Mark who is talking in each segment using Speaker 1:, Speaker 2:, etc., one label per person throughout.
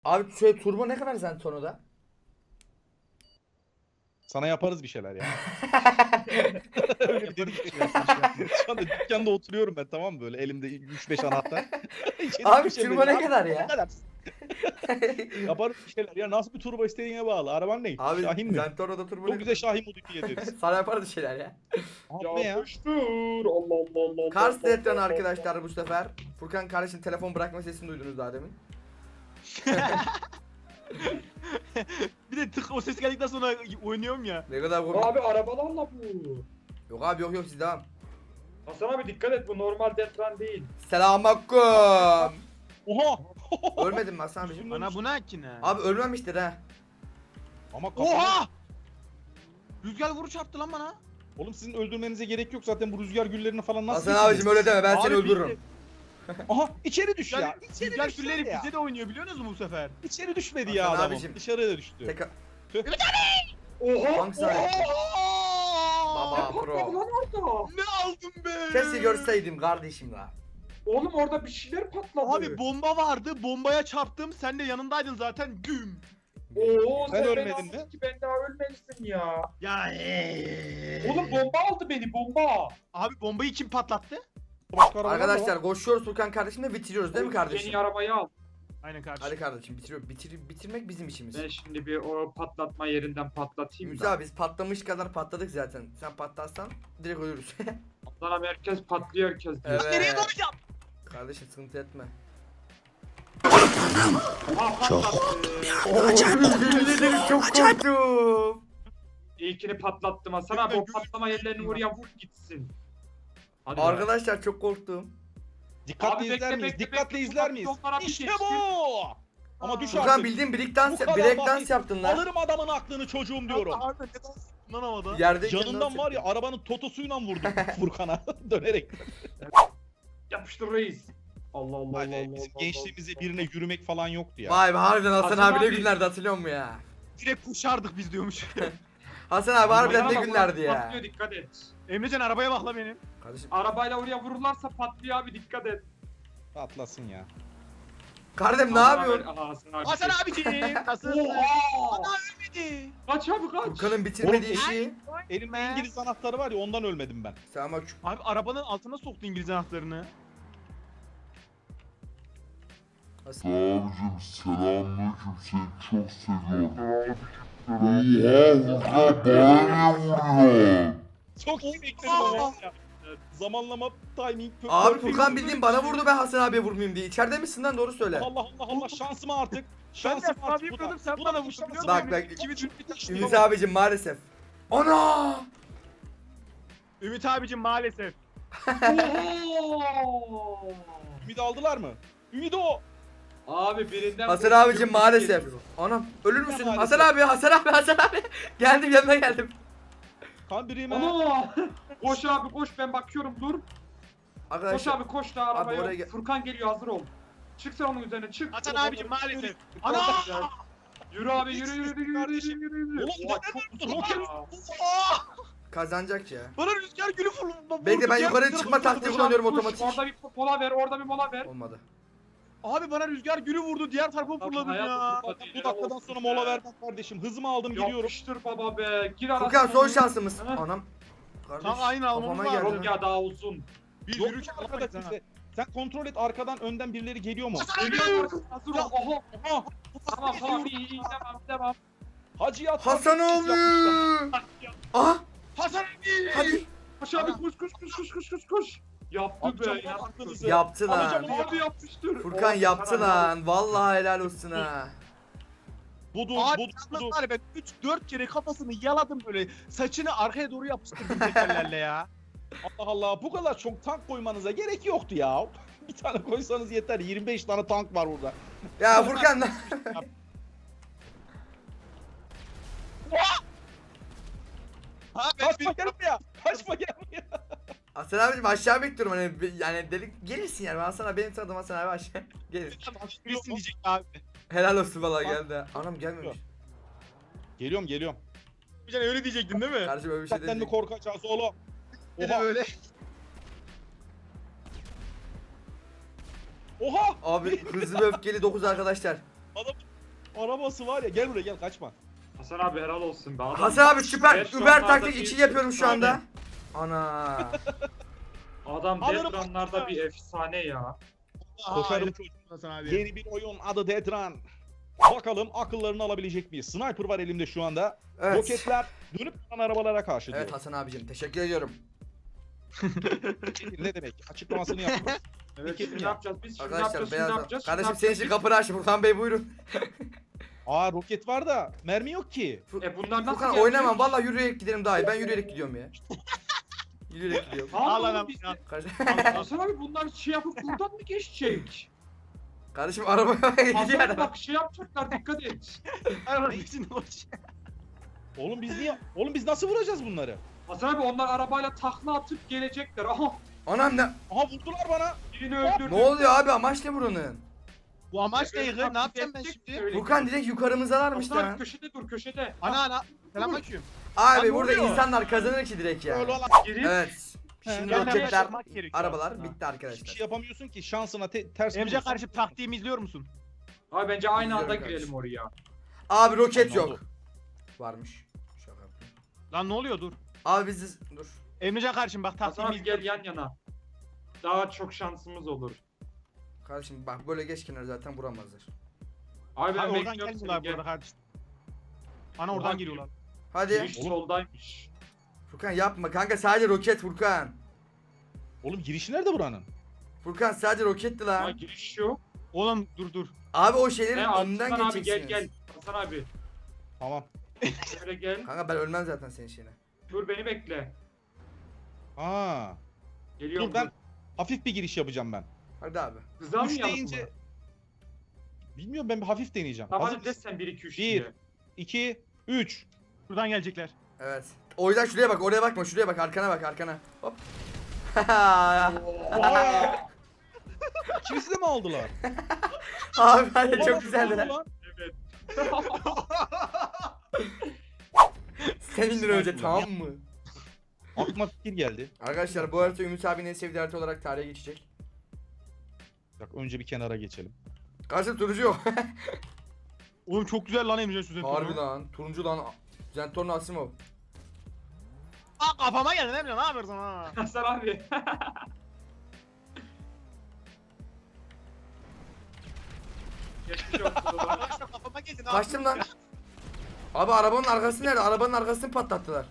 Speaker 1: Abi şöyle turbo ne kadar sen Tono'da?
Speaker 2: Sana yaparız bir şeyler ya. Öyle bir dedik ki. Şu anda dükkanda oturuyorum ben, tamam mı, böyle elimde 3-5 anahtar. İçeri
Speaker 1: Abi
Speaker 2: bir şey
Speaker 1: turbo
Speaker 2: veriyor.
Speaker 1: ne
Speaker 2: Abi,
Speaker 1: kadar
Speaker 2: ne
Speaker 1: ya?
Speaker 2: kadar? Yaparız bir şeyler ya, nasıl bir turbo istediğine bağlı. Araban ne?
Speaker 1: Abi
Speaker 2: Şahin mi?
Speaker 1: sen Tono'da turbo
Speaker 2: Çok
Speaker 1: ne
Speaker 2: güzel
Speaker 1: kadar?
Speaker 2: Şahin modifiye ederiz.
Speaker 1: Sana yaparız şeyler ya.
Speaker 2: Abi ne ya?
Speaker 3: Yapıştır. Allah Allah Allah.
Speaker 1: Kars Detran arkadaşlar bu sefer. Furkan kardeşin telefon bırakma sesini duydunuz daha demin.
Speaker 4: Bir de tık o ses geldikten sonra oynuyorum ya.
Speaker 1: Ne kadar komik.
Speaker 3: Abi arabalarla bu.
Speaker 1: Yok abi yok siz devam.
Speaker 3: Hasan abi dikkat et, bu normal Detran değil.
Speaker 1: Selamünaleyküm.
Speaker 2: Oha!
Speaker 1: Ölmedin mi Hasan abicim?
Speaker 4: Bana bu ne ki ne?
Speaker 1: Abi ölmemiştir ha.
Speaker 2: Ama kafa...
Speaker 4: Oha! Rüzgar vuru çarptı lan bana.
Speaker 2: Oğlum sizin öldürmenize gerek yok zaten, bu rüzgar güllerini falan nasıl
Speaker 1: Hasan abicim öyle deme ben
Speaker 4: Abi
Speaker 1: seni
Speaker 4: biz
Speaker 1: öldürürüm.
Speaker 4: de-
Speaker 2: Aha içeri düş ya. İçeri
Speaker 4: Rüzgar
Speaker 2: düş
Speaker 4: külleri
Speaker 2: ya.
Speaker 4: bize de oynuyor biliyor musunuz bu sefer?
Speaker 2: İçeri düşmedi ya
Speaker 1: Hasan
Speaker 2: adamım.
Speaker 1: abicim.
Speaker 2: Dışarıya düştü.
Speaker 1: Tek
Speaker 3: Oha.
Speaker 1: Hangisi abi? Baba
Speaker 3: Ne patladı
Speaker 1: pro.
Speaker 3: lan orada?
Speaker 4: Ne aldım be?
Speaker 1: Keşke görseydim kardeşim la.
Speaker 3: Oğlum orada bir şeyler patladı.
Speaker 4: Abi bomba vardı, bombaya çarptım. Sen de yanındaydın zaten. Güm.
Speaker 3: Oo,
Speaker 2: Sen
Speaker 3: beni
Speaker 2: ölmedin
Speaker 3: aldın
Speaker 2: mi?
Speaker 3: ki ben daha ölmemişsin ya.
Speaker 4: Ya
Speaker 3: Oğlum bomba aldı beni, bomba.
Speaker 4: Abi bombayı kim patlattı?
Speaker 2: Başka arabalar da var.
Speaker 1: Arkadaşlar koşuyoruz Furkan kardeşimle bitiriyoruz değil mi kardeşim?
Speaker 3: Yeni arabayı al.
Speaker 4: Aynen kardeşim.
Speaker 1: Hadi kardeşim bitiriyor. Bitirmek bizim işimiz.
Speaker 3: Ben şimdi bir o patlatma yerinden patlatayım
Speaker 1: Ümit
Speaker 3: da.
Speaker 1: abi biz patlamış kadar patladık zaten. Sen patlarsan direkt ölürüz.
Speaker 3: Allah'ım herkes patlıyor, herkes diyor.
Speaker 1: Evet.
Speaker 4: Nereye dalacağım?
Speaker 1: Kardeşim sıkıntı etme.
Speaker 3: Aha patlattı.
Speaker 1: Çok korktum.
Speaker 3: İlkini patlattım Hasan abi, o patlama yerlerini oraya vur gitsin. Hadi be.
Speaker 1: Arkadaşlar çok korktum.
Speaker 2: Dikkatli
Speaker 3: Abi bekle,
Speaker 2: izler miyiz?
Speaker 3: bekle,
Speaker 2: Dikkatli
Speaker 3: bekle.
Speaker 2: izler miyiz?
Speaker 3: Onlara bir
Speaker 2: İşte
Speaker 3: geçti.
Speaker 2: bu! Ama düş
Speaker 1: Furkan
Speaker 2: artık.
Speaker 1: bildiğin break
Speaker 2: Bu
Speaker 1: dance,
Speaker 2: kadar
Speaker 1: break
Speaker 2: basit.
Speaker 1: dance yaptın lan.
Speaker 2: Alırım adamın aklını çocuğum diyorum.
Speaker 4: Abi ne dans lan havada?
Speaker 1: Yerdeyken
Speaker 2: Yanından
Speaker 1: dans
Speaker 2: var ya,
Speaker 1: yaptın.
Speaker 2: arabanın totosuyla vurdum Furkan'a dönerek.
Speaker 3: Yapıştır reis. Allah Allah Allah
Speaker 2: Hani
Speaker 3: Allah.
Speaker 2: bizim
Speaker 3: Allah,
Speaker 2: gençliğimizde birine yürümek falan yoktu ya.
Speaker 1: Vay be harbiden Hasan
Speaker 3: Hasan
Speaker 1: abi ne
Speaker 3: abi.
Speaker 1: günlerdi hatırlıyor musun ya?
Speaker 4: Direkt kuşardık biz diyormuş.
Speaker 1: Hasan abi harbiden ne
Speaker 3: Bak,
Speaker 1: günlerdi ya.
Speaker 3: Patlıyor, dikkat et.
Speaker 4: Emrecan arabaya bak la benim.
Speaker 1: Kardeşim,
Speaker 3: Arabayla oraya vururlarsa patlıyor abi, dikkat et.
Speaker 2: Atlasın ya.
Speaker 1: kardeşim ne yapıyorsun?
Speaker 3: Aha, Hasan abi.
Speaker 4: Hasan abiciğim. Nasılsın?
Speaker 3: Oha!
Speaker 4: Ana ölmedi.
Speaker 3: Kaç abi kaç.
Speaker 1: Furkan'ın bitirmediği
Speaker 2: Oğlum,
Speaker 1: işi.
Speaker 2: Elimde İngiliz anahtarı var ya, ondan ölmedim ben.
Speaker 1: Sen bak şu...
Speaker 4: Abi arabanın altına soktu İngiliz anahtarını.
Speaker 5: Abicim selamünaleyküm, seni çok seviyorum. Oha Furkan bana niye vuruyor?
Speaker 2: Çok iyi bekledim ama ya. Zamanlama, timing,
Speaker 1: Abi
Speaker 2: perfect.
Speaker 1: Furkan bildiğin bana vurdu ben Hasan abiye vurmayayım diye. İçeride misin lan doğru söyle.
Speaker 2: Allah Allah Allah, şansıma artık.
Speaker 4: Ben de
Speaker 2: Şansıma
Speaker 4: abi
Speaker 2: artık bu
Speaker 4: yapıyordum,
Speaker 2: da.
Speaker 4: sen
Speaker 2: Bu
Speaker 4: bana
Speaker 2: da
Speaker 4: vurdun
Speaker 2: şansım.
Speaker 4: biliyor
Speaker 1: Bak,
Speaker 4: musun?
Speaker 1: bak.
Speaker 4: İkimiz bitti.
Speaker 1: Ümit abicim maalesef. Ana!
Speaker 4: Ümit abicim maalesef.
Speaker 3: Oha!
Speaker 2: Ümit aldılar mı? Ümit o.
Speaker 3: Abi birinden
Speaker 1: Hasan abicim
Speaker 3: korkuyorum,
Speaker 1: maalesef.
Speaker 3: geliyor.
Speaker 1: Anam ölür müsün?
Speaker 2: Maalesef.
Speaker 1: Hasan abi, Hasan abi, Hasan abi. Geldim yanına geldim.
Speaker 2: Kan birime.
Speaker 3: Ana! Koş abi koş, ben bakıyorum, dur. Koş
Speaker 1: Arkadaşlar
Speaker 3: abi koş da arabaya.
Speaker 1: oraya gel-
Speaker 3: Furkan geliyor, hazır ol. Çık sen onun üzerine, çık.
Speaker 4: Hasan abicim maalesef.
Speaker 3: Ana!
Speaker 4: Ana!
Speaker 3: Yürü abi, yürü yürü yürü yürü
Speaker 2: Kardeşim.
Speaker 3: yürü yürü.
Speaker 2: Oğlum,
Speaker 3: Oha,
Speaker 2: neden
Speaker 3: çok
Speaker 2: vurdun?
Speaker 3: uzun
Speaker 2: Roket-
Speaker 3: ya.
Speaker 1: kazanacak ya.
Speaker 4: Bana rüzgar gülü vurdu.
Speaker 1: Bekle ben yukarı çıkma
Speaker 3: Koş
Speaker 1: taktiği
Speaker 3: abi,
Speaker 1: kullanıyorum
Speaker 3: koş.
Speaker 1: otomatik.
Speaker 3: Orada bir mola ver, orada bir mola ver.
Speaker 1: Olmadı.
Speaker 4: Abi bana rüzgar gülü vurdu. Diğer tarafa fırladım
Speaker 3: hayatım,
Speaker 4: ya.
Speaker 3: Furkan.
Speaker 2: Bu dakikadan sonra mola vermem kardeşim. Hızımı aldım, gidiyorum.
Speaker 3: Yapıştır baba be. Gir arasına.
Speaker 1: Furkan son şansımız.
Speaker 3: Ha?
Speaker 1: Anam. Kardeş
Speaker 4: Tam aynı almamız
Speaker 1: kafama
Speaker 4: var.
Speaker 1: geldi
Speaker 3: Yok
Speaker 1: lan.
Speaker 3: ya, daha uzun.
Speaker 4: Bir
Speaker 2: Yok
Speaker 4: yürürken
Speaker 2: arkada
Speaker 4: alamayız ha.
Speaker 2: kimse. Sen kontrol et, arkadan önden birileri geliyor mu?
Speaker 3: Geliyor, hazır ol. Oha.
Speaker 2: Aha.
Speaker 3: Tamam tamam, iyi iyi, devam devam.
Speaker 2: Hacı yat.
Speaker 1: Hasan abi. Aha
Speaker 4: Hasan abi.
Speaker 1: hadi.
Speaker 3: Koş abi, koş koş koş koş koş koş koş. Yaptı
Speaker 2: Atacağım
Speaker 3: be
Speaker 2: lan
Speaker 3: ya.
Speaker 2: aklınızı.
Speaker 1: Yaptı lan.
Speaker 2: Alacağım onu.
Speaker 3: Abi yapmıştır.
Speaker 1: Furkan
Speaker 3: Oh,
Speaker 1: yaptı
Speaker 3: sana
Speaker 1: lan. Vallahi helal olsun ha.
Speaker 2: Budu,
Speaker 4: Abi
Speaker 2: budu,
Speaker 4: yalnız
Speaker 2: budu.
Speaker 4: var ya ben 3-4 kere kafasını yaladım böyle. Saçını arkaya doğru yapıştırdım tekerlerle ya.
Speaker 2: Allah Allah, bu kadar çok tank koymanıza gerek yoktu ya. Bir tane koysanız yeter. 25 tane tank var burada.
Speaker 1: Ya Furkan lan.
Speaker 4: Ha ben
Speaker 2: Kaçma gel buraya. Kaçma gel buraya.
Speaker 1: Hasan abicim aşağı bekliyorum hani yani delik gelirsin yani. Ben sana benim tanıdığım Hasan abi aşağı gelir.
Speaker 4: birisi diyecek abi.
Speaker 1: Helal olsun vallahi geldi. ha. Anam gelmemiş.
Speaker 2: Geliyorum geliyorum.
Speaker 4: Bir tane öyle diyecektin değil mi?
Speaker 1: Kardeşim öyle bir şey
Speaker 2: Senden mi
Speaker 1: değil.
Speaker 2: korkacağız oğlum?
Speaker 4: Bir de
Speaker 2: Oha.
Speaker 4: böyle.
Speaker 2: Oha.
Speaker 1: Abi hızlı ve öfkeli 9 arkadaşlar.
Speaker 2: Adam Arabası var ya, gel buraya gel, kaçma.
Speaker 3: Hasan abi helal olsun be. Adam
Speaker 1: Hasan abi süper
Speaker 3: Evet, şu
Speaker 1: Uber
Speaker 3: anlarda
Speaker 1: taktik
Speaker 3: bir-
Speaker 1: 2 yapıyorum şu anda.
Speaker 3: Aynen.
Speaker 1: Ana.
Speaker 3: Adam
Speaker 4: Alırım
Speaker 3: Dead Run'larda
Speaker 4: Hasan.
Speaker 3: bir efsane ya.
Speaker 2: Koşarım.
Speaker 4: Hasan abi.
Speaker 2: Yeni bir oyun, adı Dead Run. Bakalım akıllarını alabilecek miyiz? Sniper var elimde şu anda.
Speaker 1: Evet.
Speaker 2: Roketler dönüp duran arabalara karşı
Speaker 1: Evet
Speaker 2: diyor.
Speaker 1: Hasan abicim teşekkür ediyorum.
Speaker 2: Ne demek? Açıklamasını yaptım.
Speaker 3: Evet
Speaker 2: Peki
Speaker 3: şimdi ne
Speaker 2: ya.
Speaker 3: yapacağız biz? Şimdi ne
Speaker 1: Arkadaşlar
Speaker 3: yapacağız? Şimdi ne
Speaker 1: beyaz.
Speaker 3: yapacağız?
Speaker 1: Kardeşim
Speaker 3: Şimdi
Speaker 1: senin
Speaker 3: ne
Speaker 1: için
Speaker 3: yapacağız?
Speaker 1: kapını açtım. Furkan Bey buyurun.
Speaker 2: Aa, roket var da mermi yok ki.
Speaker 3: Bunlar nasıl
Speaker 1: Furkan
Speaker 3: gelecek?
Speaker 1: oynamam vallahi yürüyerek gidelim daha iyi. Ben yürüyerek gidiyorum ya. Yürüyerek gidiyorum.
Speaker 4: Al
Speaker 3: Al
Speaker 4: lan
Speaker 3: biz
Speaker 4: al.
Speaker 3: de.
Speaker 1: Kardeşim,
Speaker 3: Hasan abi bunlar şey yapıp buradan mı geçecek?
Speaker 1: kardeşim arabaya
Speaker 3: Hasan
Speaker 1: gidiyor
Speaker 3: abi
Speaker 1: adam.
Speaker 3: bak şey yapacaklar dikkat et.
Speaker 4: Arabanın içinde boş.
Speaker 2: Oğlum biz niye? Oğlum biz nasıl vuracağız bunları?
Speaker 3: Hasan abi onlar arabayla takla atıp gelecekler. Aha
Speaker 1: Anam ne?
Speaker 2: Aha, vurdular bana.
Speaker 3: birini öldürdü.
Speaker 1: Ne oluyor abi amaç ne buranın?
Speaker 4: Bu amaç
Speaker 3: Evet,
Speaker 4: ne?
Speaker 3: bak,
Speaker 4: Ne yapacağım ben
Speaker 3: gidecek
Speaker 4: şimdi?
Speaker 3: öyle.
Speaker 1: Furkan direkt yukarımızdalarmış
Speaker 3: Hasan abi
Speaker 1: lan.
Speaker 3: köşede dur köşede.
Speaker 4: Ana. Selamünaleyküm.
Speaker 1: Abi
Speaker 4: Lan ne
Speaker 1: burada
Speaker 4: oluyor?
Speaker 1: insanlar kazanır ki direkt ya.
Speaker 2: Öyle olan
Speaker 3: Girip
Speaker 1: Evet. Şimdi
Speaker 2: Gel,
Speaker 1: roketler,
Speaker 4: yapmak gerekiyor
Speaker 1: arabalar
Speaker 4: aslında.
Speaker 1: bitti
Speaker 2: hiçbir
Speaker 1: arkadaşlar.
Speaker 2: şey yapamıyorsun ki, şansına ters
Speaker 4: Emre
Speaker 2: vurursan-
Speaker 4: kardeşim taktiğimi izliyor musun?
Speaker 3: Abi bence aynı anda
Speaker 1: Güzel
Speaker 3: girelim
Speaker 1: kardeşim.
Speaker 3: oraya.
Speaker 1: Abi roket
Speaker 2: Tamam,
Speaker 1: yok. Varmış. Şaka yaptım.
Speaker 4: Lan ne oluyor dur.
Speaker 1: Abi biz dur.
Speaker 4: Emrecan kardeşim bak
Speaker 3: Hasan
Speaker 4: taktiğimi
Speaker 3: abi
Speaker 4: izliyor.
Speaker 3: gel yan yana. Daha çok şansımız olur.
Speaker 1: Kardeşim bak böyle geç kenara zaten vuramazlar.
Speaker 3: Abi ben
Speaker 4: Hayır, oradan
Speaker 3: bekliyorum
Speaker 4: gelmiyorlar
Speaker 3: seni
Speaker 4: bu arada
Speaker 3: gel.
Speaker 4: kardeşim. Ana oradan
Speaker 3: Oradan
Speaker 4: geliyorlar.
Speaker 1: Hadi.
Speaker 3: Giriş soldaymış.
Speaker 1: Furkan yapma kanka sadece roket Furkan.
Speaker 2: Oğlum girişi nerede buranın?
Speaker 1: Furkan sadece roketti
Speaker 3: Ama
Speaker 1: lan.
Speaker 3: giriş yok.
Speaker 4: Oğlum dur.
Speaker 1: Abi o şeylerin
Speaker 3: Hasan
Speaker 1: önünden
Speaker 3: abi gel
Speaker 1: geçeceksiniz.
Speaker 3: gel. Hasan abi.
Speaker 2: Tamam.
Speaker 3: Şöyle gel.
Speaker 1: Kanka ben ölmem zaten senin şeyine.
Speaker 3: Dur beni bekle.
Speaker 2: Aa.
Speaker 3: Geliyorum.
Speaker 2: Dur ben hafif bir giriş yapacağım ben.
Speaker 1: Hadi abi.
Speaker 3: Hızlan mı
Speaker 2: 3
Speaker 3: yaptın
Speaker 2: deyince...
Speaker 3: bunu?
Speaker 2: Bilmiyorum, ben bir hafif deneyeceğim.
Speaker 3: Tamam
Speaker 2: Hazır
Speaker 3: hadi de
Speaker 2: mısın?
Speaker 3: sen 1 2 3
Speaker 2: Bir.
Speaker 3: diye.
Speaker 2: 2, 3.
Speaker 4: Şuradan gelecekler.
Speaker 1: Evet. O yüzden şuraya bak oraya bakma şuraya bak arkana bak arkana. Hop.
Speaker 2: İkimizi de mi aldılar?
Speaker 1: Abi hadi
Speaker 2: Oha,
Speaker 1: çok güzeldi
Speaker 2: nasıl
Speaker 1: lan.
Speaker 2: oldu
Speaker 3: Evet.
Speaker 1: Senindir önce tamam mı?
Speaker 2: Aklıma fikir geldi.
Speaker 1: Arkadaşlar bu harita Ümit abinin en sevdiği harita olarak tarihe geçecek.
Speaker 2: Bak önce bir kenara geçelim.
Speaker 1: Karşı turuncu yok.
Speaker 4: Oğlum çok güzel lan Emrecan şu zentorno.
Speaker 1: Harbi lan. Turuncu lan. Zentorno Asimov.
Speaker 4: Aa kafama geldin Emrecan ne yapıyorsun ha?
Speaker 3: Hasan abi. Geçmiş olsun baba.
Speaker 4: Arkadaşlar kafama geldin abi.
Speaker 1: Kaçtım lan. Abi arabanın arkası nerede? Arabanın arkasını patlattılar.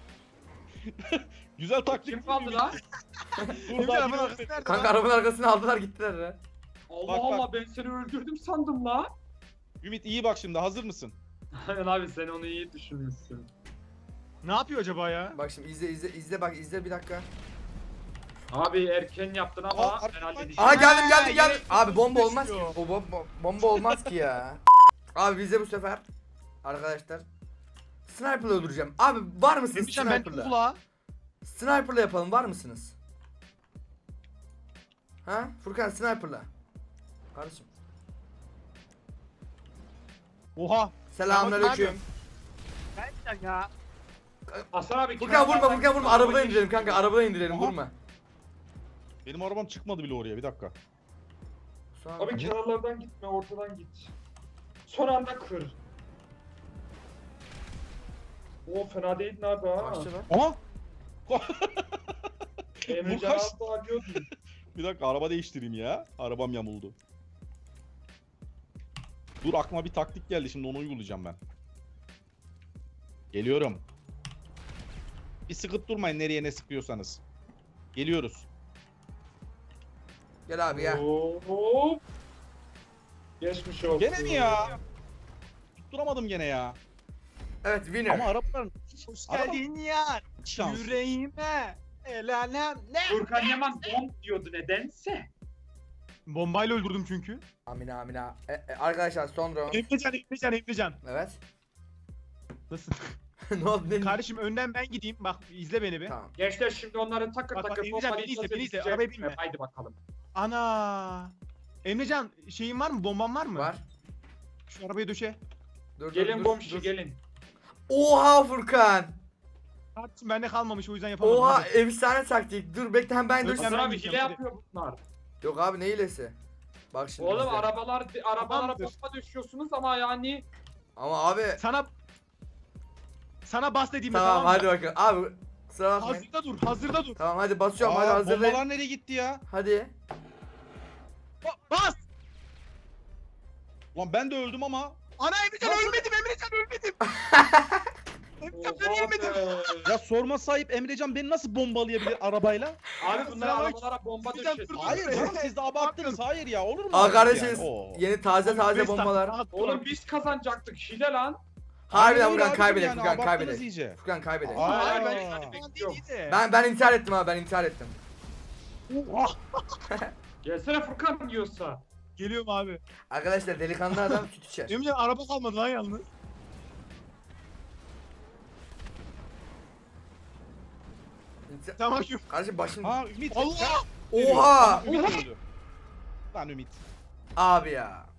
Speaker 2: Güzel taktik.
Speaker 3: Kim kaldı lan?
Speaker 2: Dur
Speaker 4: Emrecan
Speaker 2: daha
Speaker 4: arabanın
Speaker 2: bir
Speaker 4: arkası nerede
Speaker 1: Kanka
Speaker 4: lan?
Speaker 1: arabanın arkasını aldılar gittiler ya.
Speaker 3: Allah
Speaker 2: Bak, bak.
Speaker 3: Allah ben seni öldürdüm sandım la.
Speaker 2: Ümit iyi bak şimdi, hazır mısın?
Speaker 3: Aynen abi sen onu iyi düşünmüşsün.
Speaker 4: Ne yapıyor acaba ya?
Speaker 1: Bak şimdi izle bak izle bir dakika.
Speaker 3: Abi erken yaptın ama
Speaker 2: Aa,
Speaker 3: ben
Speaker 2: arkadan-
Speaker 3: halledeceğim.
Speaker 1: Aa geldim geldim
Speaker 4: yine
Speaker 1: geldim. Abi bomba olmaz ki.
Speaker 4: istiyor.
Speaker 1: O bomba olmaz ki ya. Abi bize bu sefer arkadaşlar sniper'la öldüreceğim. Abi var mısınız
Speaker 4: Emrecan ben
Speaker 1: sniper'la?
Speaker 4: kulağa.
Speaker 1: Sniper'la yapalım var mısınız? Ha? Furkan sniper'la. Kardeşim.
Speaker 4: Oha.
Speaker 1: Selamünaleyküm.
Speaker 4: Emrecan ya.
Speaker 3: Hasan abi
Speaker 1: Furkan vurma
Speaker 3: kenardan
Speaker 1: Furkan vurma.
Speaker 3: git,
Speaker 1: Arabadan
Speaker 3: arabayı
Speaker 1: indirelim kanka. Arabadan indirelim
Speaker 2: Aha.
Speaker 1: vurma.
Speaker 2: Benim arabam çıkmadı bile oraya, bir dakika.
Speaker 1: Sonra-
Speaker 3: Abi kenarlardan gitme ortadan git. Son anda kır. O fena değildin abi ha.
Speaker 1: Kaçtı lan.
Speaker 2: Ama
Speaker 3: Emrecan
Speaker 2: kaç-
Speaker 3: az daha alıyordun.
Speaker 2: bir dakika, araba değiştireyim ya. Arabam yamuldu. Dur, aklıma bir taktik geldi, şimdi onu uygulayacağım ben. Geliyorum. Bir sıkıp durmayın, nereye ne sıkıyorsanız. Geliyoruz.
Speaker 1: Gel abi gel.
Speaker 3: Hop. Geçmiş olsun.
Speaker 2: Gene mi ya? Tutturamadım gene ya.
Speaker 1: Evet winner.
Speaker 2: Ama arabaların
Speaker 4: Hoş
Speaker 2: Araba-
Speaker 4: geldin ya.
Speaker 2: şansı.
Speaker 4: Yüreğime. El alem ne?
Speaker 3: Furkan Yaman bomb diyordu nedense.
Speaker 4: Bombayla öldürdüm çünkü.
Speaker 1: Amina amina. Arkadaşlar son round.
Speaker 4: Emrecan.
Speaker 1: Evet.
Speaker 4: Nasıl?
Speaker 1: Ne oldu ne?
Speaker 4: Kardeşim önden ben gideyim. Bak izle beni bir.
Speaker 1: Tamam.
Speaker 3: Gençler şimdi onları takır
Speaker 4: Bak, bak,
Speaker 3: takır
Speaker 4: Emrecan,
Speaker 3: bombalayacağız,
Speaker 4: beni izle, beni izle.
Speaker 3: edeceğiz.
Speaker 4: Arabaya binme.
Speaker 3: Haydi bakalım.
Speaker 4: Ana. Emrecan şeyin var mı? Bomban var mı?
Speaker 1: Var.
Speaker 4: Şu arabaya döşe.
Speaker 1: Dur,
Speaker 3: Gelin
Speaker 1: dur,
Speaker 3: bombişi
Speaker 1: dur.
Speaker 3: gelin.
Speaker 1: Oha Furkan.
Speaker 4: Kardeşim bende kalmamış o yüzden yapamadım.
Speaker 1: Oha
Speaker 4: Hadi.
Speaker 1: efsane taktik. Dur bekle hem ben dur.
Speaker 4: Dur,
Speaker 3: Hasan
Speaker 4: ben
Speaker 3: abi
Speaker 4: gideceğim,
Speaker 3: hile
Speaker 4: hadi.
Speaker 3: yapıyor bunlar.
Speaker 1: Yok abi ne hilesi? Bak şimdi
Speaker 3: Oğlum
Speaker 1: izle.
Speaker 3: arabalara
Speaker 4: Tamamdır.
Speaker 3: bomba düşüyorsunuz ama yani
Speaker 1: Ama abi
Speaker 4: Sana bas dediğimde
Speaker 1: tamam
Speaker 4: tamam mı?
Speaker 1: hadi bakalım. Abi kusura bakmayın.
Speaker 4: Hazırda dur, hazırda dur.
Speaker 1: Tamam hadi basıyorum hadi
Speaker 2: Aa,
Speaker 1: hazırlayın.
Speaker 2: bombalar nereye gitti ya?
Speaker 1: Hadi.
Speaker 4: Bas!
Speaker 2: Lan ben de öldüm ama.
Speaker 4: Ana Emrecan ölmedim, Emrecan ölmedim. Emrecan ben
Speaker 3: Oha
Speaker 4: ölmedim.
Speaker 3: be.
Speaker 2: Ya sorma sahip Emrecan beni nasıl bombalayabilir arabayla?
Speaker 3: Abi bunlar
Speaker 4: Sıra bak.
Speaker 3: arabalara bomba
Speaker 4: Bizden
Speaker 3: düşüyor.
Speaker 4: dur, dur.
Speaker 2: Hayır canım siz de abarttınız. Hayır ya olur mu?
Speaker 1: Aa
Speaker 2: artık
Speaker 1: kardeşiniz
Speaker 2: yani? Oo.
Speaker 1: yeni taze taze bombalar.
Speaker 3: Oğlum biz kazanacaktık hile lan.
Speaker 1: Harbiden
Speaker 2: Aynen öyle
Speaker 1: Furkan
Speaker 2: abicim
Speaker 1: kaybedek
Speaker 2: yani,
Speaker 1: Furkan
Speaker 2: abarttınız
Speaker 1: kaybedek.
Speaker 2: iyice.
Speaker 1: Furkan kaybedek.
Speaker 2: Aa.
Speaker 4: Hayır ben
Speaker 2: Aa.
Speaker 4: ben değil de.
Speaker 1: Ben intihar ettim abi ben intihar ettim.
Speaker 3: Gelsene Furkan diyorsa.
Speaker 4: Geliyorum abi.
Speaker 1: Arkadaşlar delikanlı adam süt içer.
Speaker 4: Emrecan araba kalmadı lan yalnız. Tamam şu.
Speaker 1: Kardeşim başım.
Speaker 2: Ha Ümit.
Speaker 4: Allah!
Speaker 1: Oha!
Speaker 2: Ümit öldü. Lan Ümit.
Speaker 1: Abi ya.